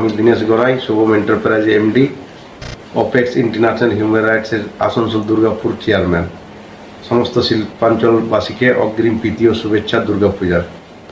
আমি Dinesh Garai, Shubham enterprise MD, apex international human রাইটসের Asansol Durgapur chairman. সমস্ত শিল্পাঞ্চলবাসীকে অগ্রিম প্রীতি ও শুভেচ্ছা দুর্গাপূজার।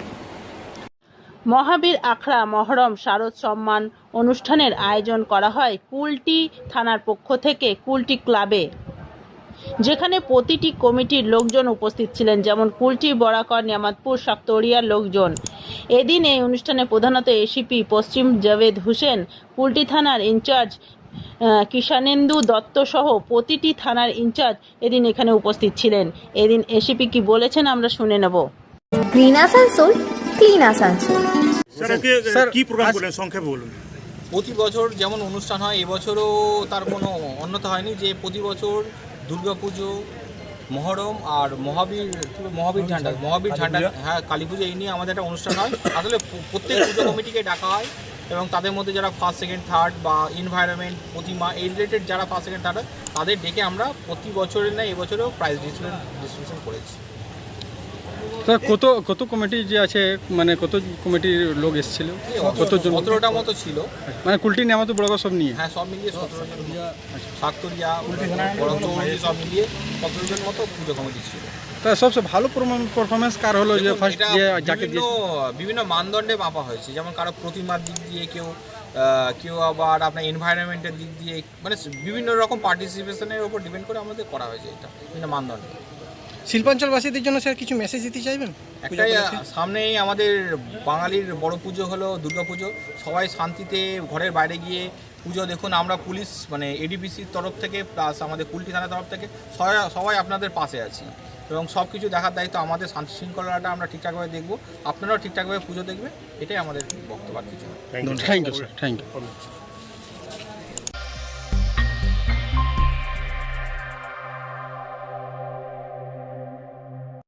মহাবীর আখড়া মহরম শারদ সম্মান অনুষ্ঠানের আয়োজন করা হয় কুলটি থানার পক্ষ থেকে কুলটি ক্লাবে, যেখানে প্রতিটি কমিটির লোকজন উপস্থিত ছিলেন, যেমন কুলটি, বরাকর, নিয়ামতপুর, শাক্তরিয়ার লোকজন। এদিন এই অনুষ্ঠানে প্রধানত এসিপি পশ্চিম জাভেদ হোসেন, কুলটি থানার ইনচার্জ কিষানেন্দু দত্ত সহ প্রতিটি থানার ইনচার্জ এদিন এখানে উপস্থিত ছিলেন। এদিন এসিপি কি বলেছেন আমরা শুনে নেব। Green Asansol, clean Asansol. Sir কি প্রোগ্রাম করলেন সংক্ষেপে বলুন। প্রতি বছর যেমন অনুষ্ঠান হয় এবছরও তার কোনো অন্যথা হয়নি, যে প্রতি বছর দুর্গাপুজো, মহরম আর মহাবীর ঝান্ডা, হ্যাঁ কালী পুজো, এই নিয়ে আমাদের একটা অনুষ্ঠান হয়। আসলে প্রত্যেক পুজো কমিটিকে ডাকা হয় এবং তাদের মধ্যে যারা ফার্স্ট সেকেন্ড থার্ড বা এনভায়রনমেন্ট, প্রতিমা, এই রিলেটেড যারা ফার্স্ট সেকেন্ড থার্ড হয় তাদের ডেকে আমরা প্রতি বছরের না এবছরেও প্রাইজ ডিস্ট্রিবিউশন করেছি। স্যার কত কমিটি যে আছে, মানে কত কমিটির লোক এসেছিল? কতজন? 17টা মতো ছিল, মানে কুলটি নিয়ামত বড় সব নিয়ে? হ্যাঁ সব মিলিয়ে 17 জন, শাক্তরিয়া, বড়চৌরি সব মিলিয়ে 17 জন মতো পুজো কমিটি ছিল। তা সবচেয়ে ভালো পারফরমেন্স কার হলো, যে ফার্স্ট যে যাকে বিভিন্ন মানদণ্ডে মাপা হয়েছে, যেমন কারো প্রতিমার দিক দিয়ে, কেউ আবার আপনার এনভায়রনমেন্টের দিক দিয়ে, মানে বিভিন্ন রকম পার্টিসিপেশনের উপর ডিপেন্ড করে আমাদের করা হয়েছে এটা বিভিন্ন মানদণ্ডে। শিল্পাঞ্চলবাসীদের জন্য স্যার কিছু মেসেজ দিতে চাইবেন? একটাই, সামনেই আমাদের বাঙালির বড় পুজো হলো দুর্গাপুজো। সবাই শান্তিতে ঘরের বাইরে গিয়ে পুজো দেখুন। আমরা পুলিশ মানে এডিপিসির তরফ থেকে প্লাস আমাদের কুলটি থানার তরফ থেকে সবাই আপনাদের পাশে আছি এবং সব কিছু দেখার দায়িত্ব আমাদের। শান্তি শৃঙ্খলাটা আমরা ঠিকঠাকভাবে দেখবো, আপনারাও ঠিকঠাকভাবে পুজো দেখবেন, এটাই আমাদের বক্তব্য। কিছু thank you sir, thank you.